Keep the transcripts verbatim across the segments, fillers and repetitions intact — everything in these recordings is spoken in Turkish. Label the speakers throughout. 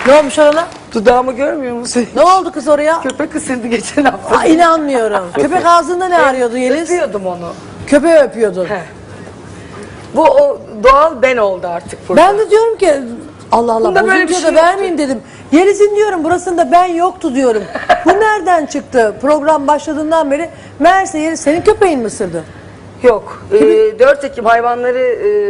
Speaker 1: Ne olmuş orada?
Speaker 2: Dudağımı görmüyor musun?
Speaker 1: Ne oldu kız oraya?
Speaker 2: Köpek ısırdı geçen hafta.
Speaker 1: Aa, inanmıyorum. Köpek ağzında ne arıyordu Yeliz?
Speaker 2: Öpüyordum onu.
Speaker 1: Köpeği öpüyordun.
Speaker 2: He. Bu o doğal ben oldu artık burada.
Speaker 1: Ben de diyorum ki Allah Allah
Speaker 2: Bunda böyle bir
Speaker 1: bozuntuya
Speaker 2: şey
Speaker 1: da
Speaker 2: yoktu.
Speaker 1: vermeyeyim dedim. Yeliz'in diyorum burasında ben yoktu diyorum. Bu nereden çıktı? Program başladığından beri meğerse Yeliz senin köpeğin mi ısırdı?
Speaker 2: Yok. Ee, dört Ekim Hayvanları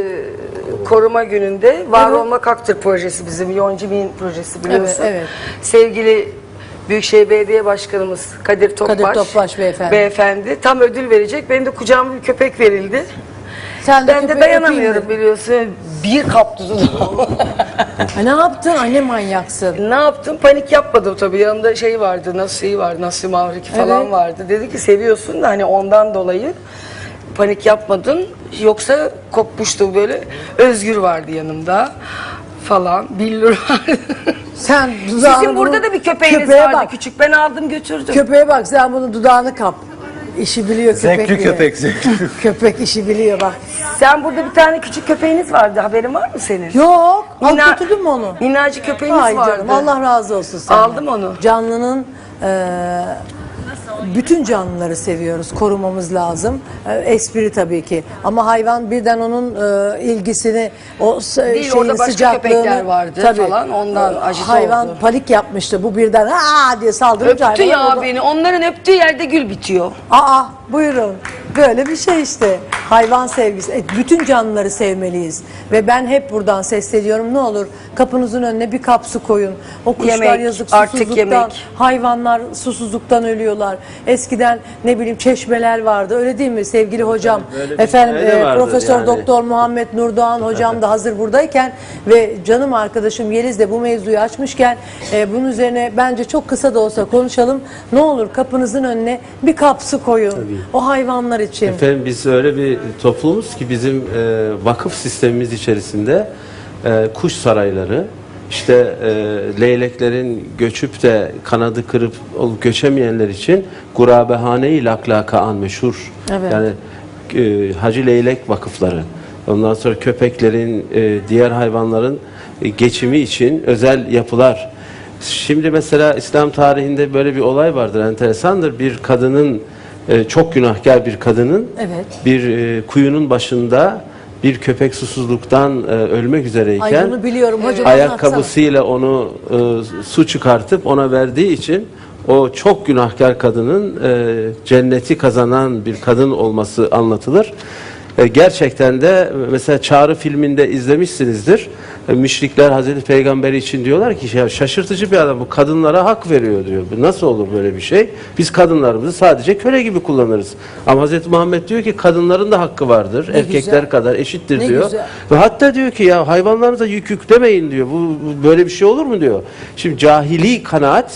Speaker 2: e, Koruma Günü'nde Var
Speaker 1: Evet.
Speaker 2: Olmak Haktır projesi bizim Yonca Bin projesi biliyorsun.
Speaker 1: Evet, evet.
Speaker 2: Sevgili Büyükşehir Belediye Başkanımız Kadir Topbaş,
Speaker 1: Kadir Topbaş beyefendi.
Speaker 2: beyefendi tam ödül verecek. Benim de kucağıma bir köpek verildi.
Speaker 1: Sen de
Speaker 2: Ben de
Speaker 1: köpeği
Speaker 2: dayanamıyorum
Speaker 1: öpeyim
Speaker 2: biliyorsun. Bir kaptı dudağımı.
Speaker 1: Ha, ne yaptın? Anne manyaksın.
Speaker 2: Ne yaptım? Panik yapmadım tabii. Yanında şey vardı, Nasuhi vardı, Nasuhi Mavriki falan
Speaker 1: Evet.
Speaker 2: vardı. Dedi ki seviyorsun da hani ondan dolayı panik yapmadın. Yoksa kopmuştu böyle. Özgür vardı yanımda falan. Billur vardı.
Speaker 1: Sen dudağını
Speaker 2: Sizin burada
Speaker 1: bunu-
Speaker 2: da bir köpeğiniz
Speaker 1: köpeğe
Speaker 2: vardı
Speaker 1: bak.
Speaker 2: küçük. Ben aldım götürdüm.
Speaker 1: Köpeğe bak sen bunun dudağını kap. İşi biliyor köpek.
Speaker 3: Zevkli
Speaker 1: diye.
Speaker 3: köpek, zevkli.
Speaker 1: Köpek işi biliyor bak.
Speaker 2: Sen burada bir tane küçük köpeğiniz vardı. Haberin var mı senin?
Speaker 1: Yok. Al
Speaker 2: Mina-
Speaker 1: götürdün mü onu?
Speaker 2: Minnacık köpeğiniz
Speaker 1: Ay
Speaker 2: vardı.
Speaker 1: canım Allah razı olsun senden.
Speaker 2: Aldım onu.
Speaker 1: Canlının eee, bütün canlıları seviyoruz. Korumamız lazım. E, espri tabii ki. Ama hayvan birden onun e, ilgisini, o s-
Speaker 2: Değil,
Speaker 1: şeyin
Speaker 2: orada başka
Speaker 1: sıcaklığını
Speaker 2: köpekler vardı falan, ondan acısı
Speaker 1: hayvan
Speaker 2: oldu.
Speaker 1: panik yapmıştı. Bu birden aa diye saldırınca
Speaker 2: Öptü
Speaker 1: hayvan
Speaker 2: ya
Speaker 1: orada-
Speaker 2: beni. Onların öptüğü yerde gül bitiyor.
Speaker 1: Aa buyurun. Böyle bir şey işte. Hayvan sevgisi. E, bütün canlıları sevmeliyiz. Ve ben hep buradan sesleniyorum. Ne olur kapınızın önüne bir kap su koyun. O kuşlar
Speaker 2: Yemek,
Speaker 1: yazık
Speaker 2: artık
Speaker 1: susuzluktan,
Speaker 2: yemek.
Speaker 1: hayvanlar susuzluktan ölüyorlar. Eskiden ne bileyim çeşmeler vardı. Öyle değil mi sevgili hocam?
Speaker 3: böyle bir
Speaker 1: Efendim
Speaker 3: şey de
Speaker 1: e,
Speaker 3: vardır
Speaker 1: Profesör
Speaker 3: yani.
Speaker 1: Doktor Muhammed Nurdoğan hocam da hazır buradayken ve canım arkadaşım Yeliz de bu mevzuyu açmışken e, bunun üzerine bence çok kısa da olsa konuşalım. Ne olur kapınızın önüne bir kap su koyun. O hayvanlar için.
Speaker 3: Efendim biz öyle bir toplumuz ki bizim e, vakıf sistemimiz içerisinde e, kuş sarayları, işte e, leyleklerin göçüp de kanadı kırıp olup göçemeyenler için gurabehane-i laklaka an meşhur.
Speaker 1: Evet.
Speaker 3: Yani e, Hacı Leylek vakıfları. Ondan sonra köpeklerin, e, diğer hayvanların e, geçimi için özel yapılar. Şimdi mesela İslam tarihinde böyle bir olay vardır, enteresandır. Bir kadının, e, çok günahkar bir kadının
Speaker 1: Evet.
Speaker 3: bir e, kuyunun başında bir köpek susuzluktan e, ölmek üzereyken
Speaker 1: Ay bunu biliyorum hocam.
Speaker 3: ayakkabısıyla onu e, su çıkartıp ona verdiği için o çok günahkar kadının e, cenneti kazanan bir kadın olması anlatılır. E, gerçekten de mesela Çağrı filminde izlemişsinizdir. E, müşrikler Hazreti Peygamber için diyorlar ki ya şaşırtıcı bir adam, bu kadınlara hak veriyor diyor. Bu nasıl olur böyle bir şey? Biz kadınlarımızı sadece köle gibi kullanırız. Ama Hazreti Muhammed diyor ki kadınların da hakkı vardır.
Speaker 1: Ne
Speaker 3: Erkekler
Speaker 1: güzel.
Speaker 3: kadar eşittir
Speaker 1: Ne
Speaker 3: diyor.
Speaker 1: güzel.
Speaker 3: Ve hatta diyor ki ya hayvanlarınıza yük yüklemeyin diyor. Bu, bu böyle bir şey olur mu diyor. Şimdi cahili kanaat,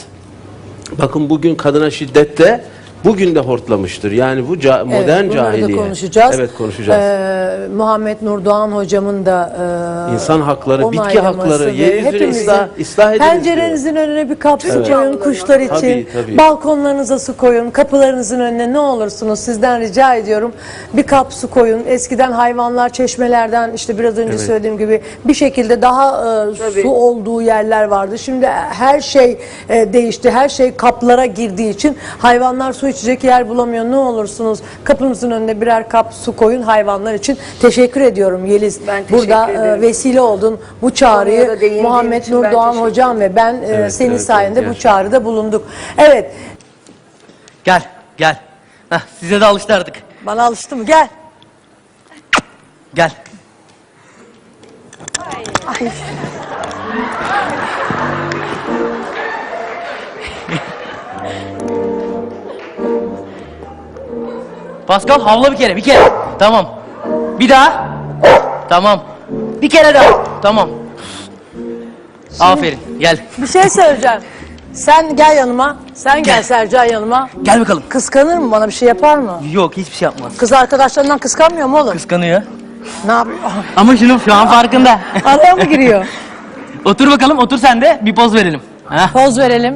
Speaker 3: bakın bugün kadına şiddette bugün de hortlamıştır. Yani bu ca- modern
Speaker 1: Evet, bunları da
Speaker 3: cahiliye.
Speaker 1: konuşacağız.
Speaker 3: Evet konuşacağız.
Speaker 1: Ee, Muhammed Nurdoğan hocamın da e,
Speaker 3: İnsan hakları, bitki
Speaker 1: onaylaması
Speaker 3: hakları,
Speaker 1: ve
Speaker 3: yeryüzünü
Speaker 1: hepimizin
Speaker 3: ıslah- ıslah ediniz
Speaker 1: pencerenizin önüne bir kap su
Speaker 3: Evet.
Speaker 1: koyun kuşlar için.
Speaker 3: Tabii, tabii.
Speaker 1: Balkonlarınıza su koyun. Kapılarınızın önüne ne olursunuz sizden rica ediyorum. Bir kap su koyun. Eskiden hayvanlar çeşmelerden işte biraz önce
Speaker 3: Evet.
Speaker 1: söylediğim gibi bir şekilde daha e,
Speaker 2: Tabii.
Speaker 1: su olduğu yerler vardı. Şimdi her şey e, değişti. Her şey kaplara girdiği için hayvanlar su içecek yer bulamıyor. Ne olursunuz kapınızın önüne birer kap su koyun hayvanlar için. Teşekkür ediyorum Yeliz.
Speaker 2: Ben teşekkür
Speaker 1: Burada e,
Speaker 2: ederim.
Speaker 1: vesile oldun. Bu
Speaker 2: Konuya
Speaker 1: çağrıyı
Speaker 2: da değindiğin
Speaker 1: Muhammed
Speaker 2: için ben
Speaker 1: Nurdoğan
Speaker 2: teşekkür
Speaker 1: hocam ve ben e,
Speaker 3: Evet,
Speaker 1: senin
Speaker 3: evet,
Speaker 1: sayende
Speaker 3: evet,
Speaker 1: bu
Speaker 3: gerçekten.
Speaker 1: çağrıda bulunduk. Evet.
Speaker 4: Gel, gel. Heh, size de alıştı artık.
Speaker 1: Bana alıştı mı? Gel.
Speaker 4: Gel. Pascal havla bir kere, bir kere. Tamam. Bir daha. Tamam. Bir kere daha. Tamam. Aferin. Gel.
Speaker 1: Bir şey söyleyeceğim. Sen gel yanıma. Sen gel
Speaker 4: Gel.
Speaker 1: Sercan yanıma.
Speaker 4: Gel bakalım.
Speaker 1: Kıskanır mı? Bana bir şey yapar mı?
Speaker 4: Yok, hiçbir şey yapmaz.
Speaker 1: Kız arkadaşlarından kıskanmıyor mu oğlum?
Speaker 4: Kıskanıyor.
Speaker 1: Ne yapıyor?
Speaker 4: Ama şunun şu an farkında.
Speaker 1: Araya mı giriyor?
Speaker 4: Otur bakalım, otur sen de. Bir poz verelim. Heh.
Speaker 1: Poz verelim.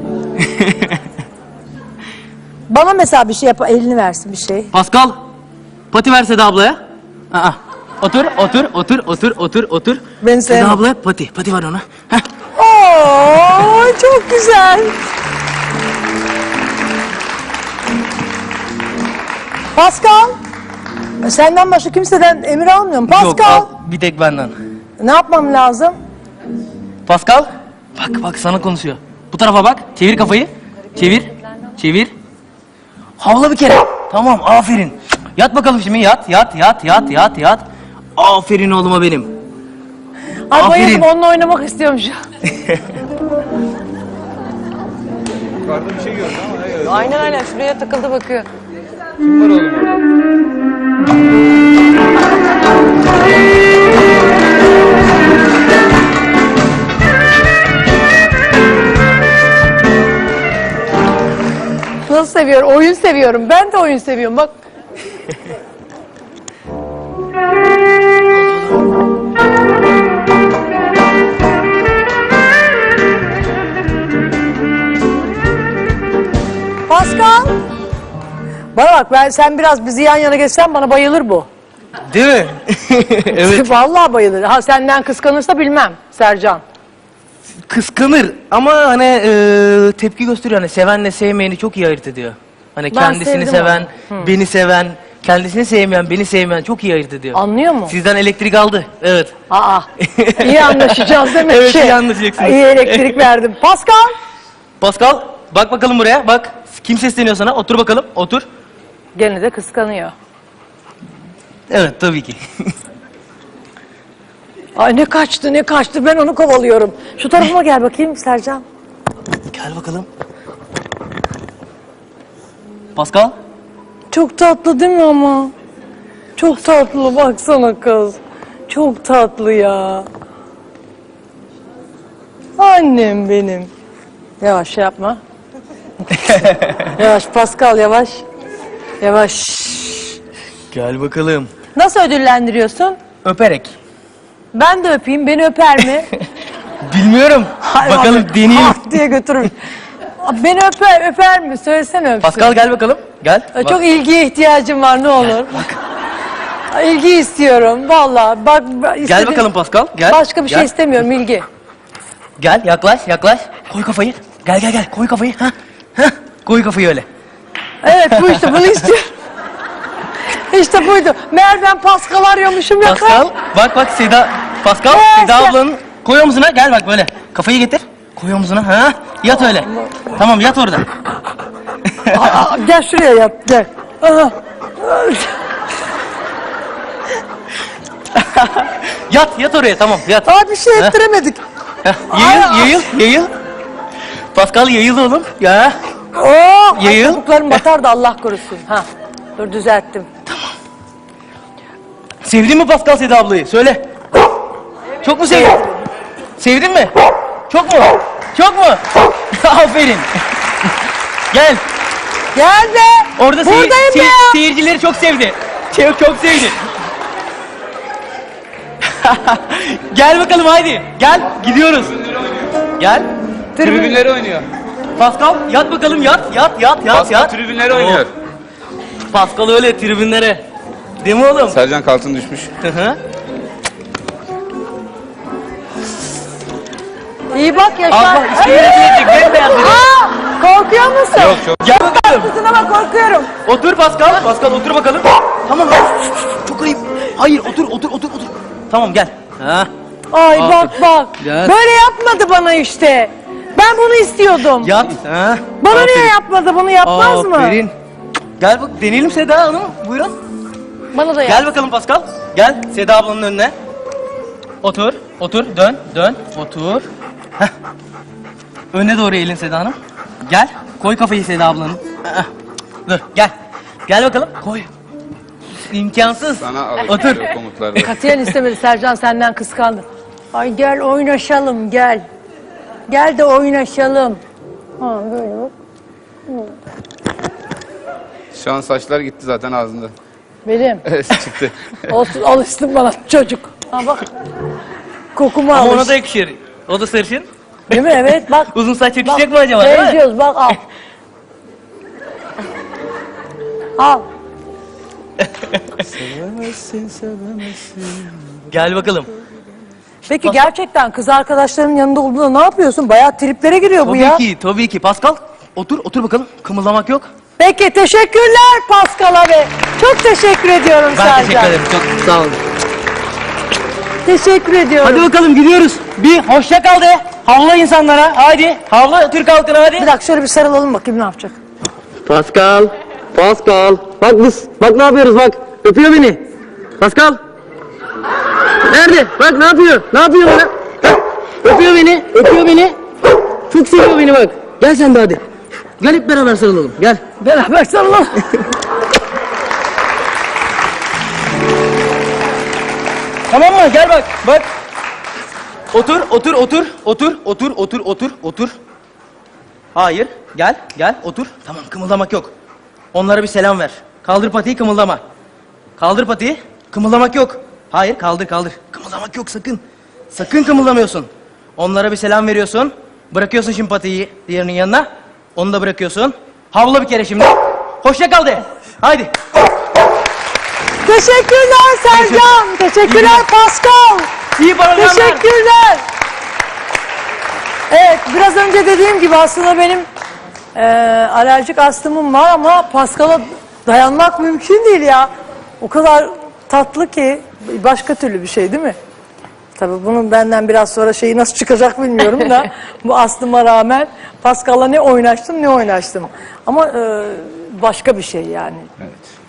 Speaker 1: Bana mesela bir şey yap, elini versin bir şey.
Speaker 4: Pascal, pati verse de ablaya. Aa, otur, otur, otur, otur, otur, otur.
Speaker 1: Beni
Speaker 4: Seda
Speaker 1: sevme.
Speaker 4: ablaya pati, pati var ona. Heh.
Speaker 1: Oo! Çok güzel. Pascal. Senden başka kimseden emir almıyorum. Pascal.
Speaker 4: Yok al, bir tek benden.
Speaker 1: Ne yapmam lazım?
Speaker 4: Pascal. Bak bak sana konuşuyor. Bu tarafa bak. Çevir kafayı. Çevir. Çevir. Havla bir kere. Tamam aferin. Yat bakalım şimdi yat yat yat yat yat yat. Aferin oğluma benim.
Speaker 1: Ay
Speaker 4: Aferin.
Speaker 1: bayıldım, onunla oynamak istiyorum şu an.
Speaker 5: Yukarıda bir şey gördüm ama ne gördüm?
Speaker 1: Aynen aynen, şuraya takıldı bakıyor.
Speaker 5: Kim var oğlum orada?
Speaker 1: Nasıl seviyorum? Oyun seviyorum. Ben de oyun seviyorum bak. Pascal. Bana bak, ben sen biraz bizi yan yana geçsen bana bayılır bu.
Speaker 4: Değil mi? Evet.
Speaker 1: Vallahi bayılır. Ha senden kıskanırsa bilmem Sercan.
Speaker 4: Kıskanır ama hani e, tepki gösteriyor. Hani sevenle sevmeyeni çok iyi ayırt ediyor. Hani
Speaker 1: Ben
Speaker 4: kendisini
Speaker 1: sevdim
Speaker 4: seven, beni seven, kendisini sevmeyen, beni sevmeyen çok iyi ayırt ediyor.
Speaker 1: Anlıyor mu?
Speaker 4: Sizden elektrik aldı. Evet.
Speaker 1: Aa, iyi anlaşacağız demek
Speaker 4: Evet,
Speaker 1: ki.
Speaker 4: iyi anlaşacaksınız.
Speaker 1: İyi elektrik verdim. Pascal.
Speaker 4: Pascal bak bakalım buraya bak. Kim sesleniyor sana? Otur bakalım. Otur.
Speaker 1: Gene de kıskanıyor.
Speaker 4: Evet tabii ki.
Speaker 1: Ay ne kaçtı ne kaçtı, ben onu kovalıyorum. Şu tarafıma gel bakayım Sercan.
Speaker 4: Gel bakalım. Pascal.
Speaker 1: Çok tatlı değil mi ama? Çok tatlı, baksana kız. Çok tatlı ya. Annem benim. Yavaş şey yapma. Yavaş Pascal, yavaş. Yavaş.
Speaker 4: Gel bakalım.
Speaker 1: Nasıl ödüllendiriyorsun?
Speaker 4: Öperek.
Speaker 1: Ben de öpeyim, beni öper mi?
Speaker 4: Bilmiyorum.
Speaker 1: Hay
Speaker 4: bakalım
Speaker 1: abi,
Speaker 4: deneyelim.
Speaker 1: ah diye götürür. Beni öper, öper mi? Söylesene öpsün.
Speaker 4: Pascal gel bakalım. Gel.
Speaker 1: Ay,
Speaker 4: Bak.
Speaker 1: çok ilgiye ihtiyacım var, ne olur. Ay, İlgi istiyorum vallahi. Bak, bak
Speaker 4: Gel
Speaker 1: istedim.
Speaker 4: bakalım Pascal. Gel.
Speaker 1: Başka bir şey
Speaker 4: Gel.
Speaker 1: istemiyorum, ilgi.
Speaker 4: Gel yaklaş yaklaş. Koy kafayı. Gel gel gel. Koy kafayı. Ha. Ha. Koy kafayı öyle.
Speaker 1: Evet bu işte, bunu istiyorum. İşte buydu. Meğer ben Pascal arıyormuşum ya.
Speaker 4: Pascal bak bak Seda. Pascal
Speaker 1: Evet,
Speaker 4: Seda
Speaker 1: ya.
Speaker 4: ablanın koy omzuna gel bak böyle. Kafayı getir. Koy omzuna. Ha. Yat öyle. Tamam yat orada.
Speaker 1: Aa, gel şuraya yat, gel. Aha.
Speaker 4: Yat yat oraya tamam yat.
Speaker 1: Aa, bir şey
Speaker 4: Ha.
Speaker 1: ettiremedik.
Speaker 4: Heh, Yayıl
Speaker 1: Ay,
Speaker 4: yayıl yayıl. Pascal yayıl oğlum. Ya.
Speaker 1: Oo, ay,
Speaker 4: Yayıl.
Speaker 1: topuklarım batar da Allah korusun. Ha. Dur düzelttim.
Speaker 4: Sevdin mi Pascal Seda ablayı? Söyle. Çok mu sevdin? Sevdin mi? Çok mu? Çok mu? Aferin. Gel.
Speaker 1: Gel be.
Speaker 4: Orada seyir-
Speaker 1: Buradayım
Speaker 4: seyir-
Speaker 1: ya.
Speaker 4: seyircileri çok sevdi. Çok, çok sevdi. Gel bakalım haydi. Gel gidiyoruz. Gel.
Speaker 5: Tribünleri oynuyor.
Speaker 4: Pascal yat bakalım yat yat yat yat
Speaker 5: Pascal
Speaker 4: yat.
Speaker 5: tribünleri oynuyor.
Speaker 4: Pascal öyle tribünlere. Değil mi oğlum?
Speaker 5: Sercan Kaltın düşmüş.
Speaker 4: Hı hı.
Speaker 1: İyi bak
Speaker 4: Al
Speaker 1: Yaşar.
Speaker 4: bak işte yönetilecek bembeyaz dedi.
Speaker 1: Aa, korkuyor musun?
Speaker 5: Yok çok.
Speaker 4: Gel bakalım.
Speaker 1: Kızın ama korkuyorum.
Speaker 4: Otur Pascal. Pascal otur bakalım. Tamam. Çok ayıp. Hayır otur otur otur otur. Tamam gel. Ha.
Speaker 1: Ay
Speaker 4: Aferin.
Speaker 1: bak bak.
Speaker 4: Yat.
Speaker 1: Böyle yapmadı bana işte. Ben bunu istiyordum.
Speaker 4: Yat. Ha.
Speaker 1: Bana
Speaker 4: Aferin.
Speaker 1: niye yapmadı? Bunu yapmaz mı?
Speaker 4: Aferin. Gel bak deneyelim Seda Hanım. Buyurun.
Speaker 1: Bana da yap.
Speaker 4: Gel bakalım Pascal. Gel Seda ablanın önüne. Otur. Otur. Dön. Dön. Otur. Heh. Öne doğru eğilin Seda Hanım. Gel. Koy kafayı Seda ablanın. Heh. Dur. Gel. Gel bakalım. Koy. İmkansız.
Speaker 5: Sana
Speaker 4: Otur.
Speaker 5: alıştırıyor komutlarda.
Speaker 1: Katiyen istemedi, Sercan senden kıskandı. Ay gel oynaşalım gel. Gel de oynaşalım. Ha böyle bak.
Speaker 5: Şu an saçlar gitti zaten ağzında.
Speaker 1: Benim.
Speaker 5: Evet çıktı.
Speaker 1: Olsun, alıştın bana çocuk. Ha bak. Kokuma
Speaker 4: Ama
Speaker 1: alış.
Speaker 4: ona da yakışır. O da sarışın.
Speaker 1: Değil mi? Evet bak.
Speaker 4: Uzun saç
Speaker 1: Bak,
Speaker 4: yakışacak mı acaba değil mi?
Speaker 1: benziyoruz bak al. Al.
Speaker 4: Gel bakalım.
Speaker 1: Peki gerçekten kız arkadaşlarının yanında olduğunda ne yapıyorsun? Bayağı triplere giriyor bu
Speaker 4: Tabii
Speaker 1: ya.
Speaker 4: ki, tabii ki. Pascal, otur, otur bakalım. Kımıldamak yok.
Speaker 1: Peki teşekkürler Pascal abi. Çok teşekkür ediyorum
Speaker 4: Ben
Speaker 1: Sercan.
Speaker 4: teşekkür ederim. Çok sağ olun.
Speaker 1: Teşekkür ediyorum.
Speaker 4: Hadi bakalım gidiyoruz. Bir hoşça kal de. Havla insanlara. Hadi. Havla Türk halkına hadi.
Speaker 1: Bir dakika şöyle bir sarılalım bakayım ne yapacak.
Speaker 4: Pascal. Pascal. Bak biz. Bak ne yapıyoruz bak. Öpüyor beni. Pascal. Nerede? Bak ne yapıyor? Ne yapıyor bana? Bak, öpüyor beni. Öpüyor beni. Çok seviyor beni bak. Gel sen de hadi. Gel hep beraber sarılalım. Gel.
Speaker 1: Beraber sarılalım.
Speaker 4: Tamam mı? Gel bak. Bak. Otur, otur, otur, otur, otur, otur, otur, otur. Hayır. Gel, gel, otur. Tamam, kımıldamak yok. Onlara bir selam ver. Kaldır patiyi, kımıldama. Kaldır patiyi, kımıldamak yok. Hayır, kaldır, kaldır. Kımıldamak yok sakın. Sakın kımıldamıyorsun. Onlara bir selam veriyorsun. Bırakıyorsun şimdi patiyi diğerinin yanına. Onu da bırakıyorsun. Havla bir kere şimdi. Hoşça kal de. Haydi.
Speaker 1: Teşekkürler Sercan. Teşekkürler Pascal.
Speaker 4: İyi programlar.
Speaker 1: Teşekkürler. Evet biraz önce dediğim gibi aslında benim eee alerjik astımım var ama Pascal'a dayanmak mümkün değil ya. O kadar tatlı ki başka türlü bir şey değil mi? Tabii bunun benden biraz sonra şeyi nasıl çıkacak bilmiyorum da bu astıma rağmen Pascal'la ne oynaştım ne oynaştım. Ama eee, başka bir şey yani.
Speaker 5: Evet.